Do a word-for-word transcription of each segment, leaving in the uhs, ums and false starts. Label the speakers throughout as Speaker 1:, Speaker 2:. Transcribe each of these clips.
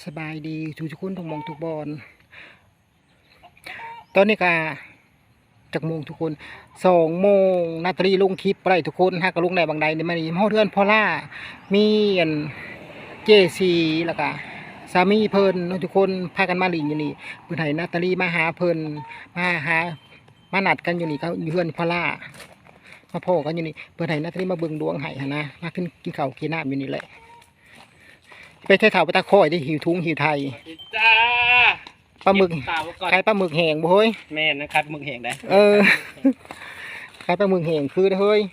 Speaker 1: สบายดีทุกคนทุกมองทุกบอลตอนนี้กาจากโมงทุกคนสองโมงนาตรีลงคลิปอะไรทุกคนฮะกระลุงในบางใดในมันมีพ่อเทือนพ่อล่ามีอันเจซีแล้วก็สามีเพิ่นทุกคนพากันมาหลิงอยู่นี่เพื่อนให้นาตรีมาหาเพิ่นมาหามานัดกันอยู่นี่เขาอยู่เพื่อนพ่อล่ามาพ่อกันอยู่นี่เพื่อนให้นาตรีมาเบิ่งดวงไห้นะมาขึ้นกินข้าวกินน้ำอยู่นี่แหละไปไทยเถาไปตะคอยได้หิวทุงหิวไทย
Speaker 2: จ้า
Speaker 1: ปลาหมึกขายปลาหมึกแห้งบ่เฮ้ย
Speaker 2: แม่นะครับหมึกแห้งได้
Speaker 1: เออขายปลาหมึกแห้งคือเฮ้ย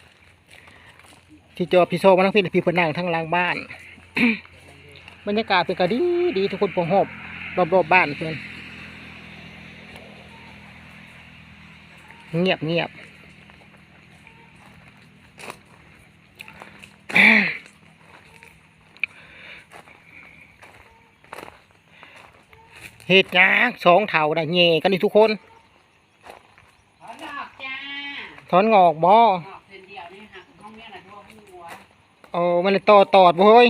Speaker 1: ที่จอพี่โซมาทั้งพี่พี่เพิ่นนั่งทั้งล่างบ้านบรรยากาศเป็นกะดีดีทุกคนพอหอบรอบรอบบ้านเพิ่นเงียบเงียบเห็ดยักษ์สองเถาได้เง่กันนี่ทุกคน
Speaker 3: ถอนดอกจ้า
Speaker 1: ถอนงอกบ่
Speaker 3: ออกเส้นเดียวนี่หักห้องเนี้ยนะทั่วหัว
Speaker 1: โอ้มันเลยตอดตอดบ่เฮ้ย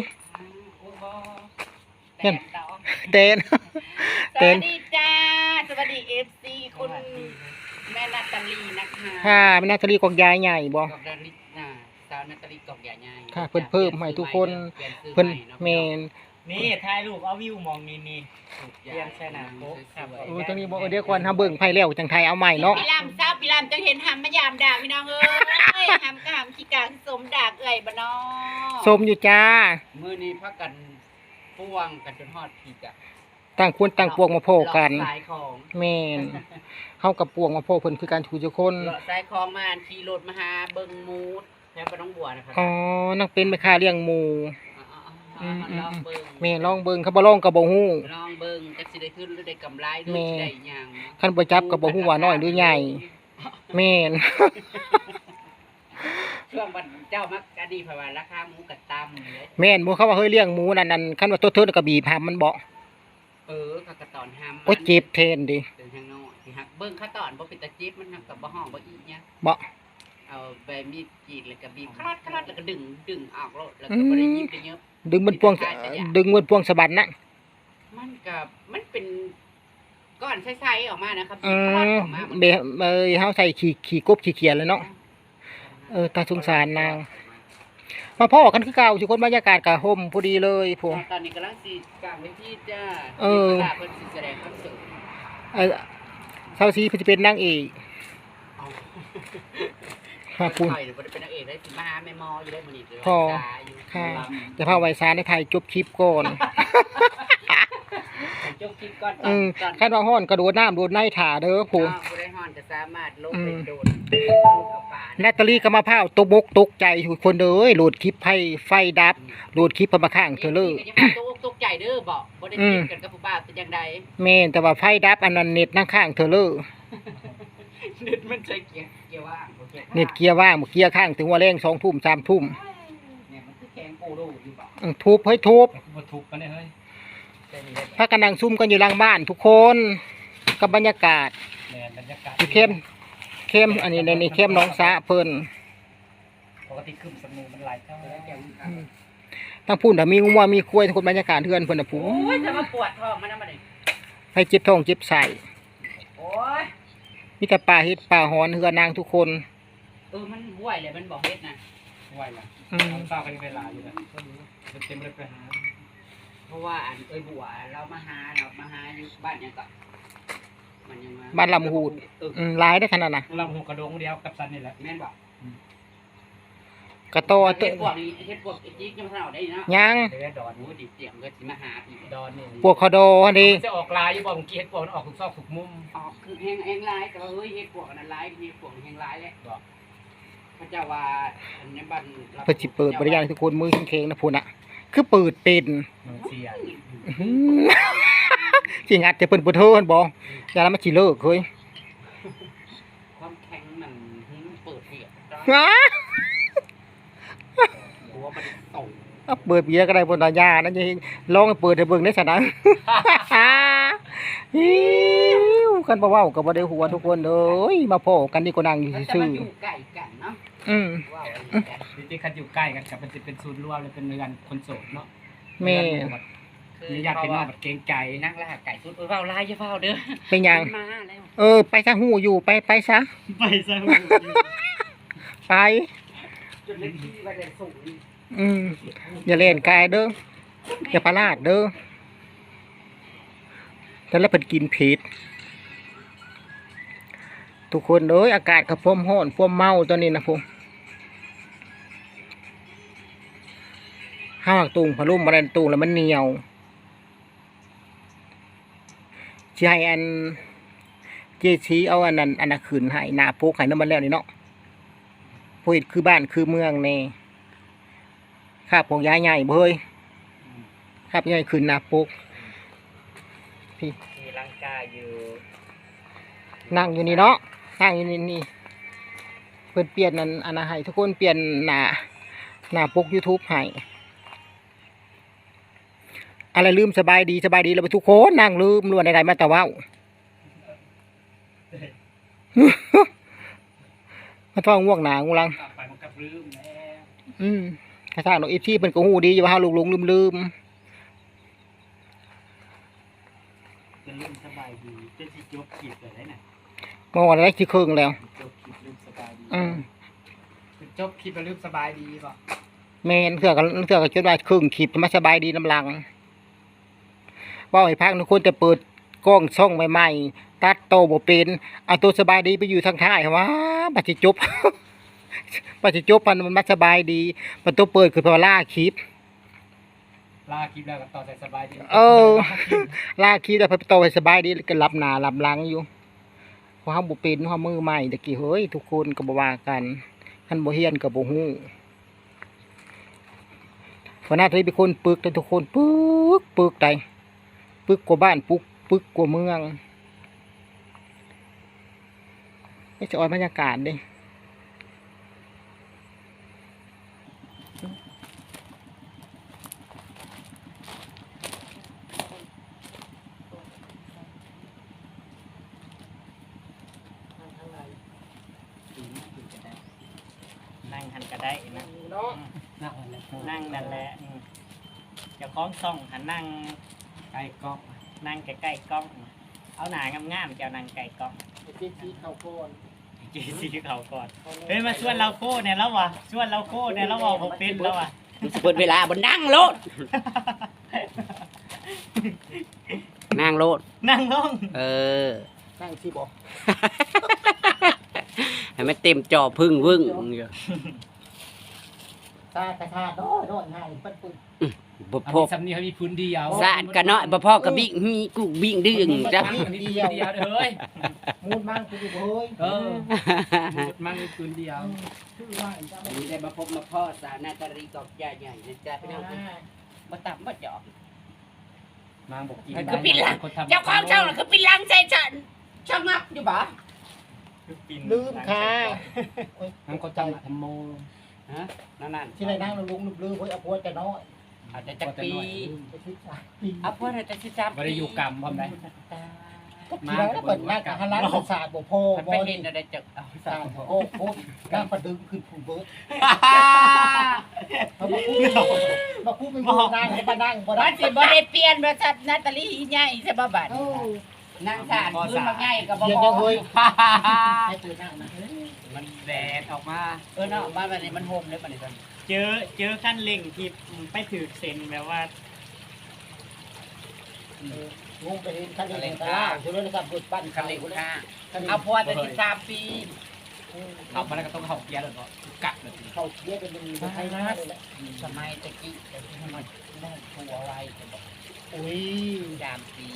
Speaker 3: เต้น
Speaker 1: เต้น
Speaker 3: สวัสดีจ้าสวัสดีเอฟซีคุณแม่นาตาลีนะคะ
Speaker 1: ค่ะแม่นาตาลีกอกยายใหญ่บ่
Speaker 3: กอกนาตาลีน่ะสาวนาตาลีกอกใหญ่ใหญ่
Speaker 1: ค่ะเพิ่นเพิ่มให้ทุกคนเพิ่นแม่น
Speaker 2: นี่ถ่ายรูปเอาวิวมองนี่นี่เรียนแค่นั้นโอ้ครับ
Speaker 1: โอ้ตรงนี้บ่เดี๋ยวก่อนทำเบิ่งไผแล้วจังไทยเอาใหม่เนาะ
Speaker 3: พี่ลำทราบพี่ลำจังเห็นหำมายามด่าพี่น้องเอ้ยหำก็หำขี้กาสมด่าเอ่ยบ่น้อ
Speaker 1: สมอยู่จ้า
Speaker 3: มื้อนี้พักกันป่วงกันจนฮอดพีกะ
Speaker 1: ต่างคนต่างปวงมาโพกัน
Speaker 3: สายของ
Speaker 1: แม่นเฮากับปวงมาโพเพิ่นคือการถูทุกคน
Speaker 3: สายของมาขี่รถมาหาเบิ่งมูดแล้วบ่ต้องบัวนะครับ
Speaker 1: อ๋อนักเป็นแม่ค้าเลี้ยงหมู
Speaker 3: ลองเบิ่ง
Speaker 1: แม่ลองเบิ่งเขาบ่ลองก็บ่ฮู้
Speaker 3: ลองเบิ่งจักสิได้ขึ้นหรือได้กำไรหรือสิได้หยัง
Speaker 1: คันบ่จับก็บ่ฮู้ว่าน้อยหรือใหญ่แม่น
Speaker 3: ช่วงวันเจ้ามักอดีเพราะว่าราคาหมูก็ต่ำ
Speaker 1: แม่นบ่เขาว่าเฮ้ยเลี้ยงหมูนั่นนั่นคันว่าตัวเทิดก็บีบหำมันบ่
Speaker 3: เออเขาก็ตอนหำ
Speaker 1: โอ้เจ็บแทนดิ
Speaker 3: เป็นทางน้อยสิฮักเบิ่งเขาตอนบ่เป็นตาจิบมันฮักก็บ่ฮ้องบ่อีหยัง
Speaker 1: บ่
Speaker 3: เอาใบมีดกรีดแล้วก็บีบคลอดคลอดแล้วก็ดึงดึงออกแล้วแล้วก็บ่ได้ยิบได้เยอะ
Speaker 1: ดึงมันพวงดึงมันพวงสะบัดนะ
Speaker 3: มันกับมันเป็นก้อนใสๆออกมานะครับ
Speaker 1: อืมเบเอ้ยเฮาใส่ขี้ขี้กบขี้เขียนเลยเนาะเออตาสงสารนางมาพ่อกันคือเก่าทุกคนบรรยากาศกะห่มพอดีเลยพวก
Speaker 3: ตอนนี้กำลังสิกลางเวทีจ้า
Speaker 1: เออ
Speaker 3: เพิ่นสิแสดงคอนเสิร์ต
Speaker 1: เออเซาซีเพิ่นสิเป็นนางเอก
Speaker 3: ค่ะคุณเป็นนางเอกได้สิมาหาแม่มออยู่ได้มื้อนี้เด้อ
Speaker 1: พ่อค่ะจะพาไว้ซาในไทยจบคลิปก่อน
Speaker 3: จบคลิปก่อน
Speaker 1: อืมคันว่าฮ้อนกระโดดน้ำโดดในถ่าเด้อผู้
Speaker 3: บ่ได้ฮ้อนก็สามารถลงไปโดด
Speaker 1: นาตาลีก็มาพร้าวตกบกตกใจทุกคนเด้อโหลดคลิปไฟไฟดับโหลดคลิปเพิ่นมาข้างเธอเลย
Speaker 3: ตกตกใจเด้อบ่บ่ได้ติดกันกับผู้บ่าวแต่จังใด
Speaker 1: แม่นแต่ว่าไฟดับอันนั้นเน็ตนั่งข้างเธอเลย
Speaker 3: เน็ตมันใช้เกียร์เกียร์ว่าง
Speaker 1: เน็ตเกียร์ว่างเกียร์ข้างถึงว่าแรงสองทุ่มสามทุ่ม
Speaker 3: เนี่ยมันคือแกงโปโลอยู่บ่
Speaker 1: ทุบเฮ้ยทุบ
Speaker 2: บ่ทุบกันได้เฮ้ย
Speaker 1: พากันนั่งซุ่มกันอยู่หลังบ้านทุกคนกับบรรยากาศ
Speaker 2: แม่นบรรยากาศ
Speaker 1: เข้มเข้มอันนี้ในนี้เข้มน้องสะเพิ่น
Speaker 2: ปกติคึมสมูมันหลายเท่า
Speaker 1: ทั้งพูนถ้ามีงัวมีควายทุกคนบรรยากาศเทือนเพิ่นน่ะผู้
Speaker 3: โอ้ยจะมาปวดท้องมันนำบัดนี้
Speaker 1: ให้เจ็บท้องเจ็บไส้
Speaker 3: โอ้ย
Speaker 1: มีแต่ปลาเฮ็ดปลาหอนเฮือนางทุกคน
Speaker 3: เออมันห่วยเลยมันบ่เฮ็ดน่ะ
Speaker 2: ห่วยล่ะอืมเช้ากันเวลาอยู่น่ะก็รู้เต็มเลยไปหา
Speaker 3: เพราะว่าอันเอ้ยบัวเรามาหาเรามาหาอยู่บ้านหยังก็มันยังมา
Speaker 1: บ้านลำหูดอืมหลายได้ขนาดน่ะ
Speaker 2: ลำหูกระโดงเดียวกับซันนี่แหละ
Speaker 3: แม่นบ่
Speaker 1: กระโต
Speaker 3: เฮ็ดพวกนี้เฮ็ดพวกจิกยังบ่ทันเอาได้เนาะ
Speaker 1: ยัง
Speaker 3: เฮ็ดดอนหมูดิเสียงก็สิมาหาอีกดอนนี่
Speaker 1: พวกคอโดนี่
Speaker 2: จะออกลายอยู่บ่เมื่อกี้เฮ็ดพวกมันออกทุกซอกทุกมุม
Speaker 3: ออกคือแฮงแฮงลายแต่ว่าเฮ้ยเฮ็ดพวกนั้นลายเฮ็ดพวกแฮงลายแหละบ่พระเจ้าว่าอันนี้บ้าน
Speaker 1: เพิ่นสิเปิดบริการทุกคนมือแข็งๆนะพุ่นน่ะคือเปิดเป็น
Speaker 2: เสีย
Speaker 1: สิงัดแต่เพิ่นบ่เทินบ่อย่าละมันสิเลิกเฮ้ย
Speaker 3: ความแข็งมันเปิดเบียร์
Speaker 1: ฮะ
Speaker 3: หัวมันตก
Speaker 1: เอาเปิดเบียร์ก็ได้บนตายานั่นยังลองเปิดให้เบิ่งได้ซะนะฮิวกันบ่เว้าก็บ่ได้หัวทุกคนเอ้ยมาพ้อกันนี่ก็นั่งอยู่ซื่อ
Speaker 3: อยู่ใกล้กันเนาะ
Speaker 1: อืม
Speaker 2: จริงๆคันอยู่ใกล้กันกับมันสิเป็นศูนย์รวมเลยเป็นเรือนคนโสดเนาะ
Speaker 1: แม่
Speaker 2: มีญาติพี่น้องแบบเกรงใจ
Speaker 3: นั่งล่าไก่สุดเฝ้าลายจะเฝ้าเด้อ
Speaker 1: เป็นหยัง
Speaker 3: มาแล้ว
Speaker 1: เออ ไปซะหูอยู่ไปไปซะ
Speaker 2: ไปซะ
Speaker 1: ไป
Speaker 3: จนเล็กที่ไปเลยสูง
Speaker 1: อืมอย่าเล่นกายเด้ออย่าประลาดเด้อแต่แล้วเป็นกินผิดทุกคนเอ้ยอากาศกับพวมห้อนพวมเมาตอนนี้นะพงห้าวตุงพะลุ่มบรันตุงแล้วมันเหนียวใจอันเจชีเอาอันนั้นอันนั้นขืนให้หนาโพกให้น้ำมันแล้วนี่เนาะพูดคือบ้านคือเมืองเน่ข้าพงย้ายใหญ่เบยข้าพใหญ่ขืนหนาโพกพี่
Speaker 3: มีลังกาอยู่
Speaker 1: นั่งอยู่นี่เนาะนั่งอยู่นี่นี่เพื่อนเปลี่ยนนั่นอันนั้นให้ทุกคนเปลี่ยนหน้าหน้าปก YouTube ให้อะไรลืมสบายดีสบายดีแล้วไปทุกคนนั่งลืมล้วนใดๆมาแต่ว่ามาท้องง่วงหนางูลัง
Speaker 2: ไปมันกับลืมแล้ว
Speaker 1: อืมกระซ่าหนูอีพี่เป็นก็หูดีอยู่ว่าเฮาลุงๆลืม
Speaker 2: จะลืมสบายดีจะสิจบคลิปเลยน่ะ
Speaker 1: ๆมองอะไรที่ครึ่งแล้ว
Speaker 2: จบคลิปลืมสบายดี
Speaker 1: อืม
Speaker 2: จบคลิปแล้วลืมสบายดีป่ะ
Speaker 1: แมนเถื่อกันเถื่อกันจนว่าครึ่งขีดมาสบายดีน้ำลังว่าให้พักทุกคนแต่เปิดกล้องช่องใหม่ๆตัดโตบ่เป็นเอาตัวสบายดีไปอยู่ทางท้ายว่าปัจจิจบ ปัจจิจบมันมันมาสบายดีมันตัวเปิดคือพอล่าคลิป
Speaker 2: ลาคลิปแล้วก็ต่อใส่สบายดี
Speaker 1: เออ ล่าคลิปแล้วพอโตให้สบายดีก็รับหน้ารับหลังอยู่เพราะเฮาบ่เป็นเฮามือใหม่ตะกี้เฮ้ยทุกคนก็บ่ว่ากันคันบ่เฮียนก็บ่ฮู้เพราะหน้าที่เป็นคนปึกแต่ทุกคนปึกปึกใดปึกกว่าบ้านปึกปึกกว่าเมืองไม่จะออนบรรยากาศเด้
Speaker 3: นั่งหันก็ได้นะ
Speaker 1: เนาะ
Speaker 2: นั่งวันแล้ว
Speaker 3: นั่งนั่นแหละอืมเจะคล้าของซ่องหันนั่ง
Speaker 2: ใกล้กล้อง
Speaker 3: นั่งใกล้ๆกล้อง เอาหนางามๆเจ้านั่งใกล้กล้อง
Speaker 1: ไอ้ที่ที่เขาโกน
Speaker 3: เจซีเขาก่อนเฮ้ยมาชวนเราโค้เนี่ยแล้ววะชวนเราโค้เนี่ยแล้ววะผมเป็นแล้ววะ
Speaker 4: เปิดเวลาบนนั่งโลด นั่งโลด
Speaker 3: นั่งลง
Speaker 4: เออ
Speaker 1: นั่งที่บอก
Speaker 4: ให้มันเต็มจอพึ่งวึ่งอยู่
Speaker 1: ตากระทาโน้อยโน้อยง่ายปั้นปุ้ย
Speaker 4: บ่
Speaker 2: เอา
Speaker 4: พ
Speaker 2: มี
Speaker 4: ก
Speaker 2: สำเนียงเขามีพื้นเดียว
Speaker 4: สะอาดกันน้อยบ่พอกับบิ่งมีกูบิ่งดึงจ้ะ
Speaker 2: อันนี้พื้นเดียวเด้อเฮ้ย
Speaker 1: มูนมั่งคือเฮ้ย
Speaker 2: เออมันมีพื้นเดียว
Speaker 1: ชื่อว่าอีกจ้า
Speaker 4: วันนี้ได้มาพบมาพ่อสาวนาตาลีกอกใหญ่ใหญ่นะจ๊ะพี่น้อง
Speaker 3: มาตับมาจอก
Speaker 2: นางบอกกิน
Speaker 3: มันคือปิดหลัง
Speaker 2: คนทำ
Speaker 3: เจ้าของช่องน่ะคือปิดหลังใส่ฉันช่างนักอยู่บ่
Speaker 1: ลืมค่ะ
Speaker 2: นางคนทำทำโม
Speaker 4: ฮะนั่นนั่น
Speaker 1: ที่ไหนนั่งเราลุงลืมเฮ้ยเอาพวดจะน้อย
Speaker 4: อาจจะจักปี
Speaker 1: ไปชิดชาปี
Speaker 4: เอาพ่อน่ะจะสิจับ
Speaker 2: ไม่ได้อยู่กรรมพร้อมได้
Speaker 1: ก็ทีแล้วเปิดหน้ากับฮันลันศาสตร์บ่พอ
Speaker 4: มัน
Speaker 1: บ่
Speaker 4: ไป
Speaker 1: ดี
Speaker 4: เห็นอะไรจักเอา
Speaker 1: ศาสตร์โอ้โหนั่งประดึงขึ้นผู้เบิร์ดเขาบอกมาพูดเป็นผู้นั่งให้มานั่งบ่ได้
Speaker 4: มันสิบ่ได้เปลี่ยนว่าจัดนาตาลีใหญ่ใช่บ่บัด
Speaker 1: เออ
Speaker 4: นั่งสานพื้นมาง่ายก็บ่
Speaker 1: เดี๋ยว
Speaker 4: พ
Speaker 1: จะ
Speaker 4: อ
Speaker 1: เฮ้ยให้ตื่นนั่งนะ
Speaker 2: มันแดดออกมา
Speaker 4: เออเนาะบ้านบัดนี้มันโฮมเลยบัดนี้ตอน
Speaker 3: เจอเจอขั้นเร่งที่ไปถือเซ็นแบบว่า
Speaker 1: งงไปเห็นคันเร่งตาคุณเรื่องการบุดปั้น
Speaker 4: คันเร่งค่า
Speaker 1: คัน
Speaker 4: เอา
Speaker 1: เอา
Speaker 4: พ่อจะสิบสามปี
Speaker 2: ขับมาแล้วก็ต้องเข้าเกียร์เลยเนาะกัดเลย
Speaker 1: เข้าเคี้ยเป็นเป็นไทยนาเลยแหละ
Speaker 4: สมัยตะกี้แต่ที่มันน้องทัวไว้ก็บอก
Speaker 1: อุ้ย
Speaker 4: สามปี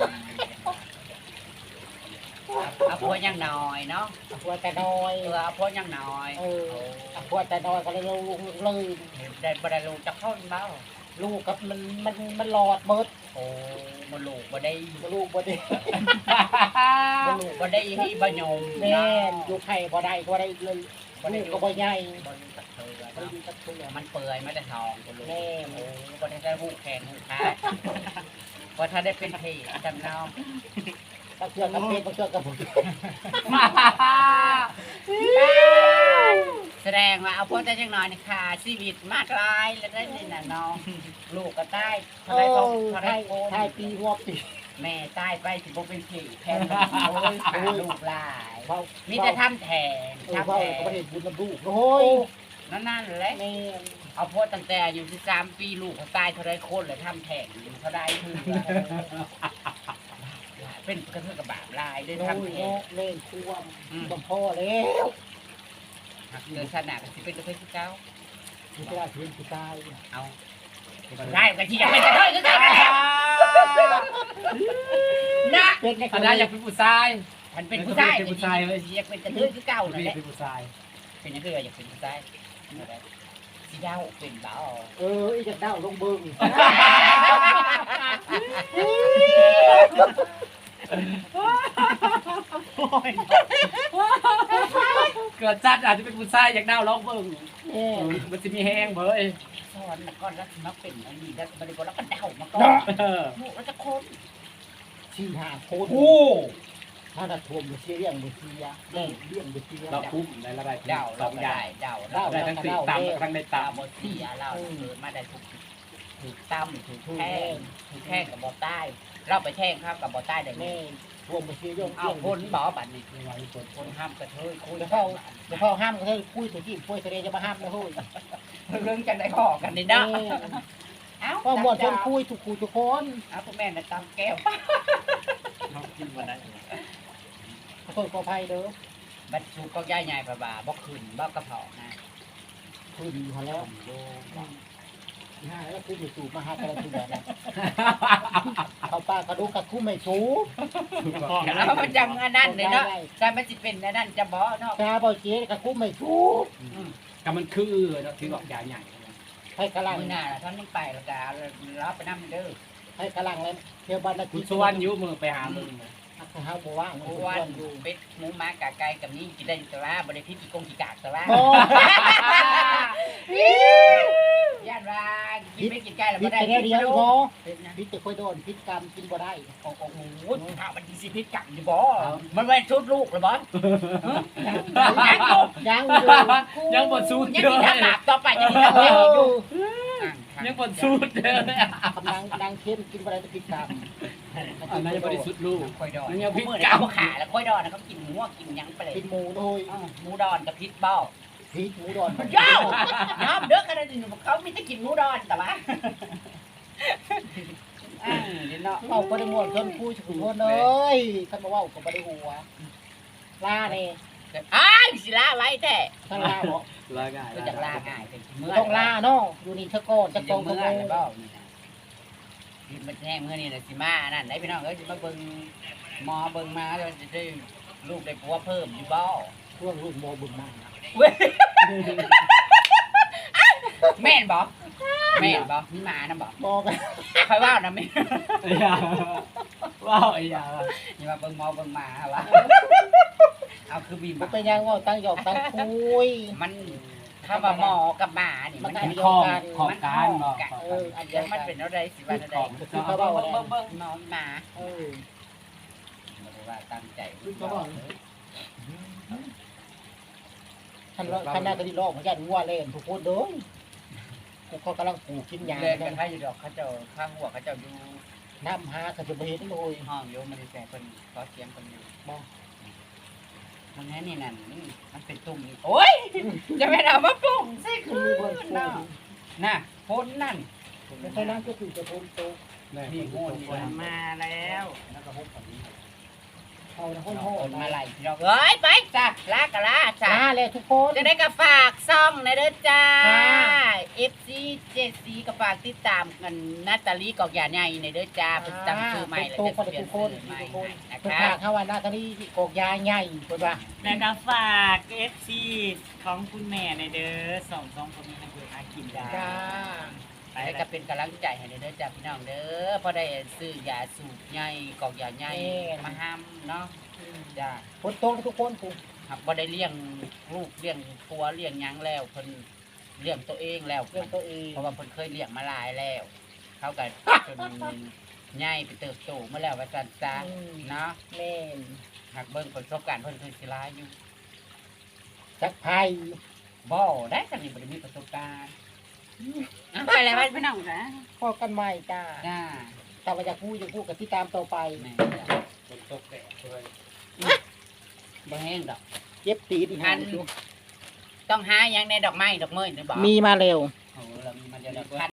Speaker 4: เอาพ่อยังน้อยเนาะ
Speaker 1: พวดแต่น้อย
Speaker 4: เออเอาพ่อยังน้อย
Speaker 1: เออพวดแต่น้อยก็เลยลงเลย
Speaker 4: ได้บ่ได้ลูกจะเข้าเบ้า
Speaker 1: ลูกกับมันมันมันหลอดเบิด
Speaker 4: โอ้บ่ลูกบ่ได้
Speaker 1: ลูกบ่ได้
Speaker 4: บ่ลูกบ่ได้ฮีบ่ยม
Speaker 1: แม่นอยู่ไข่บ่ได้บ่ได้เลยลูกก็บ่ใหญ่
Speaker 4: บ่มีสักเทื่อ
Speaker 1: บ่
Speaker 4: เนาะ
Speaker 1: ได้สักเทื่อ
Speaker 4: มันเปื่อยไม่ได้ทองบ่ลูก
Speaker 1: แม่
Speaker 4: โอ้บ่ได้ได้หูแขนหูขาว่าถ้าได้เป็นเพศจำน้อง
Speaker 1: ตะเทื่อกับเพชรตะเทื่อกับบุญ
Speaker 4: แสแสดงว่าเอาพวกแต่จังน้อยนี่ค่ะชีวิตมากลายแล้วได้นี่น่ะน้องลูกก็ตายเขาได้ต้องเขาได้โกน
Speaker 1: ทายปีหัวปี
Speaker 4: แม่ตายไปสิบ่เป็นผีแทนโอ้ยขาลูกหลาย
Speaker 1: เว้า
Speaker 4: มีแต่ทำแทน
Speaker 1: เออ
Speaker 4: ทำ
Speaker 1: เว้า
Speaker 4: แท
Speaker 1: ก็บ่
Speaker 4: น
Speaker 1: ได้บุญนำลูกโอ้ย
Speaker 4: นั่นนั่นแหละ
Speaker 1: แม่น
Speaker 4: เอาพวกตั้งแต่อายู่ที่สามปีลูกเขาตายเท่าไรคนเลยทำแทนเขาได้คือเป็นกระเทือกกระบาดลายด้วย
Speaker 1: โอ้
Speaker 4: ทำ
Speaker 1: ย
Speaker 4: แทน
Speaker 1: เนาะเล่นควม
Speaker 4: อืม
Speaker 1: บ่พอแล้ว
Speaker 4: เดินขนาดกันสิเป็นกระเทือกที่เก้า
Speaker 1: สิได้ถึงสิตาย
Speaker 4: เอาได้กันที่อยากเป็นกระเทือกก็ได้กันแล้วนะ
Speaker 1: เป็นใน
Speaker 2: คณะอยากเป็นผู้ชาย
Speaker 4: มันเป็นผู้ชาย
Speaker 2: เป็นผู้ชายเว้ย
Speaker 4: อยากเป็นกระเทือกที่เก้านั่นแหละ
Speaker 2: เป็นผู้ชาย
Speaker 4: เป็นยังไงอยากเป็นผู้ชายสีดาวเป็นเบา
Speaker 1: เอออีจะเด้าลงเบิ่ง
Speaker 2: เกิดจัดอาจจะเป็นผู้ชายอยากดาวร้องเบิ่ง
Speaker 1: แม่
Speaker 2: มันจะมีแห้งเบ้ย
Speaker 4: สอนแล้วก็รักมาเป็นอันนี้แล้วบริบทแล้วก็เดามาก่อน
Speaker 2: เออ
Speaker 4: ลูกแล้วจะคน
Speaker 1: สี่ห้าคน
Speaker 2: โอ้
Speaker 1: ถ้าน่ะท่วมบ่เสียเรื่องบ่เสียเลี้ยงเลี้ยงบ่เสีย
Speaker 2: เราคุ้มในระดับ
Speaker 4: เดา
Speaker 2: ส
Speaker 4: เรา
Speaker 2: องอ
Speaker 4: ได้
Speaker 2: ย่าง
Speaker 4: เดา
Speaker 2: ได้ทั้งสี่ตามทั้งใน
Speaker 4: ตา
Speaker 2: ตาม
Speaker 4: บทเสียเราเออมาได้ถูกถูกตั้มถูกแท่งถูกแท่งกับบอใต้ เราไปแท่งครับกับบอใต้ได้ไหม
Speaker 1: แม่ท่วมบ่เสียเรื่อง
Speaker 4: เอา
Speaker 1: เลี้ยง
Speaker 4: คนบอกบัตรนี่คือว่าคนคนห้ามกระเทยคุย
Speaker 1: เดี๋ยวเขาเดี๋ยวเขาห้ามก็ให้คุยตัวที่คุยแสดงจะมาห้ามนะเฮ้ย
Speaker 4: เรื่องกันได้ข้อกันนี่นะเอ้า
Speaker 1: ก็บ่ชวนคุยทุกคู่ทุกคน
Speaker 4: เอาพวกแม่น่ะตำแก้ว
Speaker 2: เรากินวันนั้น
Speaker 1: ขอโทษขออภัยเด้อ
Speaker 4: บัดสูก็ย่ายใหญ่ประบาบ่ขึ้นบ่กระเพาะนะ
Speaker 1: คืนอยู่แล้วห้าแล้วคืออยู่สู่มาหาแต่ละทีแบบนั้นเขาป้ากระดูกกระคุ้มไม่สูบ
Speaker 4: แล้วมันจังอันนั้นเลยเนาะแต่มันสิเป็นอันนั้นจะบ่เนาะ
Speaker 1: ชาบ่เจ๊กระคุ้มไม่สูบ
Speaker 2: กับมันคือเราถือว่าใหญ่ใหญ่
Speaker 1: ให้กระลัง
Speaker 4: มื้อหน้าท่านยังไปแล้วก็รับไปนำเด้อ
Speaker 1: ให้กระลังเลยเที่ยวบ้านนา
Speaker 2: คุ
Speaker 1: ที
Speaker 2: ณชวนยุมือไปหามึง
Speaker 1: เฮาบ่ว่าง
Speaker 4: เพราะว่าเป็ดหมูหมากะไก่กับนี้กินได้แต่ว่าบ่ได้พิษอีกงกี่กากแต่ว่า
Speaker 1: โอ้
Speaker 4: ย่านว่ากินไม่กินไก่แล้ว
Speaker 1: พิ
Speaker 4: บ่
Speaker 1: ษ
Speaker 4: ได้
Speaker 1: แค่เดียวพอ
Speaker 4: เป็ดนะ
Speaker 1: พิษจะค่อยโดนพิษกรรมกินบ่ได้
Speaker 4: โอ้โหถ้ามันสิพิษกัดอยู่บ่มันไว้ชุดลูกหรือบ่ยังอยู่
Speaker 1: ยัง
Speaker 2: ยังบดสูด
Speaker 4: ยัง
Speaker 2: เยอะ
Speaker 4: มีทางหลับต่อไปยังมีทางแก้อยู่
Speaker 2: ยังบดสูดเลย
Speaker 1: กำลังดังเข้มกินบ่ได้พิษกรรม
Speaker 2: อันนั้นยังบริสุทธิ์ลูก
Speaker 4: ค่อยดอน
Speaker 2: มันยังพิษ
Speaker 4: เมื่อ
Speaker 2: กั
Speaker 4: เขา
Speaker 2: ด
Speaker 4: ขาแล้วค่อยดอนนะเขากินหัวกินยังไปเลย
Speaker 1: กินหมูโดย
Speaker 4: หมูดอนกับพิษบ่
Speaker 1: พิษหมูดอน
Speaker 4: เจ้าน้ำเด้อขนาดนี้เขามีแต่กินหมูดอนแต่ว่าอ่าเดี๋ยวเนาะ
Speaker 1: เอาบ่ได้ม่วนจนคุยทุกคนเอ้ยคันบ่เว้าก็บ่ได้หัวลานี่
Speaker 4: อ้าวสิลาไว้แต่
Speaker 1: ถ้าลาบ่
Speaker 2: ลาง่าย
Speaker 4: ก็จะลาง่ายเป็นเมื่อ
Speaker 1: ต้องลาเนาะอยู่นี่ซะก่อน
Speaker 4: จะ
Speaker 1: จะ
Speaker 4: ก
Speaker 1: ก
Speaker 4: อ
Speaker 1: อง ง
Speaker 4: เมื่
Speaker 1: ก็
Speaker 4: อ
Speaker 1: บ่
Speaker 4: นะบ่นี่นะมันแห้งเมื่อนี่นะสิมานั่นไหนพี่น้องเอ้ยสิมาเบิ่งหมอเบิ่งมาแล้วจะได้ลูกได้ผัวเพิ่มอยู่บ่
Speaker 1: ช่วงลูกบ่บึงมา
Speaker 4: เว้ยแม่นบ่แม่นบ่มีหมานะบ่
Speaker 1: บ่กัน
Speaker 4: คอยว่านะแม่
Speaker 2: ไอ้ยาว้าวไอ้ยา
Speaker 4: อย่ามาเบิ่งหมอเบิ่งหมาฮะวะเอาคือบีบ
Speaker 1: บ่เป็นหยังว่าตั้งหยอกตั้งคุย
Speaker 4: มันถ้าว่าหมอกับหมานี่มัน
Speaker 2: มันคล้องของการ
Speaker 4: หม
Speaker 2: เนาะ
Speaker 4: เอออันเดียวมันเป็นอะไรสิว่าอะไร
Speaker 2: ของ
Speaker 4: เบิ่งเบิ่งเบิ่งเบิ่งหมอหมา
Speaker 1: เออ
Speaker 4: บ่ได้ว่าตั้งใจ
Speaker 1: คันว่าคันน่าก็สิลอกเหมือนกันงัวเล่นทุกคนเด้อกูก็กำลังปลูกกินหญ้า
Speaker 4: เล่นกันให้อยู่ดอกเขาเจ้าข้างหัวเขาเจ้าอยู่
Speaker 1: น้ำหาก็จะบ่เห็นเลย
Speaker 4: ห้องอยู่มันได้แต่เพิ่นขอเสียงเพิ่นอยู่
Speaker 1: บ่
Speaker 4: มันแน่นี่นั่นมันเป็นตุ่มนี่โอ้ยจะไม่เอามาปรุงสิคื
Speaker 1: คือ
Speaker 4: อ
Speaker 1: บ่ปลู
Speaker 4: น่ะ
Speaker 1: ก
Speaker 4: น่ะพ้นนั่น
Speaker 1: แล้วค่อยนั้นก็คือจะพ้นโต
Speaker 2: นี่โง่นี่
Speaker 4: ฝนมาแล้ว
Speaker 2: แล้วก็พบกับนี้
Speaker 1: เอานะ
Speaker 4: ฝ
Speaker 1: ฮ้อน
Speaker 4: นมาไหลพี่น้องเอ้ยไปจ้ะลากะลา
Speaker 1: ๆจ้า
Speaker 4: จ้ะ
Speaker 1: แล้วทุกคน
Speaker 4: จะได้ก็ฝากซ่องนะเด้อจ้า
Speaker 1: ค่ะ
Speaker 4: เอฟ ซี เจ ซี ก็ฝากติดตามกันนาตาลีกอกยาใหญ่ในเด้อจ้าเพิ่นตั้งชื่อใหม่แล้ว
Speaker 1: โต
Speaker 4: จะ
Speaker 1: คน
Speaker 4: เปลี่ยน
Speaker 1: ทุกค
Speaker 4: ชื่
Speaker 1: น
Speaker 4: อใหม่
Speaker 1: ทุกคน
Speaker 4: นะ
Speaker 1: เพิ่น
Speaker 4: คะ
Speaker 1: ฝากเฮาว่าหน้าตานี้กอกยาใหญ่เพิ่นว่า
Speaker 5: แล้วก็ฝาก เอฟ ซี ของคุณแม่ในเด้อสองสองคนนี้นะคือหากินได้
Speaker 1: จ้า
Speaker 5: ไป
Speaker 4: ให้
Speaker 5: แล้
Speaker 4: ก็
Speaker 5: ว
Speaker 4: เป็นกำลังใจให้เด้อจ้าพี่น้องเด้อพอได้ซื้อยาสูบใหญ่กอกยาใหญ่มาห้ามเนาะจ้า
Speaker 1: ฝนตกทุกคนกู
Speaker 4: หากบ่ได้เลี้ยงลูกเลี้ยงผัวเลี้ยงหยังแล้วเพิ่นเลี้ยงตัวเองแล้ว
Speaker 1: เรื่องตัวเอง
Speaker 4: เพราะว่าเพิ่นเคยเลี้ยงมาหลายแล้ว เขาก็จนใหญ่ไปเติบโตมาแล้วว่าซั่นซะเนาะ
Speaker 1: แม่น
Speaker 4: หากเบิ่งประสบการณ์เพิ่นคือสิหลายอยู่
Speaker 1: จักไผ่
Speaker 4: บบ่ได้จังนี่บ่ได้มีประสบการณ์
Speaker 3: ไปแล้วไปพี่น้องจ้ะ
Speaker 1: พอกันใหม่จ้า
Speaker 4: จ้า
Speaker 1: แต่ว่าอยากพูดอยากพูดกับที่ตามต่อไป
Speaker 4: แม่จ้ะ
Speaker 2: ฝนตกแดดด้วย
Speaker 4: บ่แห้งดอก
Speaker 1: เจ็บตีดีหัน
Speaker 4: ต้องหาหยังในดอกไม้ดอกเมยหรือบ่
Speaker 1: มีมาเร็ว
Speaker 4: โอ้เรามีมาเดี๋ยวดอกพัน